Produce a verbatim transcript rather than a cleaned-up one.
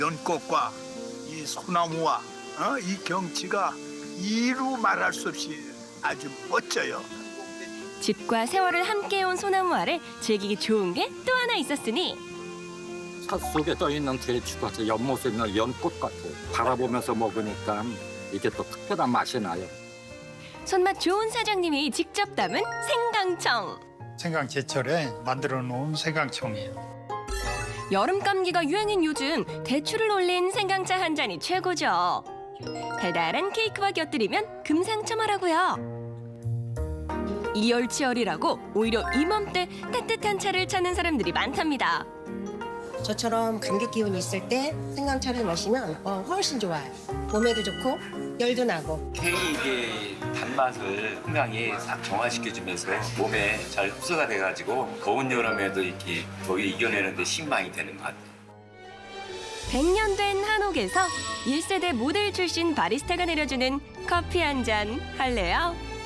연꽃과 이 소나무와 어? 이 경치가 이루 말할 수 없이 아주 멋져요. 집과 세월을 함께해온 소나무 아래 즐기기 좋은 게 또 하나 있었으니 산 속에 떠 있는 대추가 연못에 있는 연꽃 같아요. 바라보면서 먹으니까 이게 또 특별한 맛이 나요. 손맛 좋은 사장님이 직접 담은 생강청. 생강 제철에 만들어 놓은 생강청이에요. 여름 감기가 유행인 요즘 대추를 올린 생강차 한 잔이 최고죠. 달달한 케이크와 곁들이면 금상첨화라고요. 이열치열이라고 오히려 이맘때 따뜻한 차를 찾는 사람들이 많답니다. 저처럼 감기 기운이 있을 때 생강차를 마시면 어, 훨씬 좋아요. 몸에도 좋고 열도 나고. 케이크의 단맛을 생강이 싹 정화시켜주면서 몸에 잘 흡수가 돼가지고 더운 여름에도 이렇게 더위 이겨내는 데 신망이 되는 것 같아요. 백 년 된 한옥에서 일 세대 모델 출신 바리스타가 내려주는 커피 한 잔 할래요?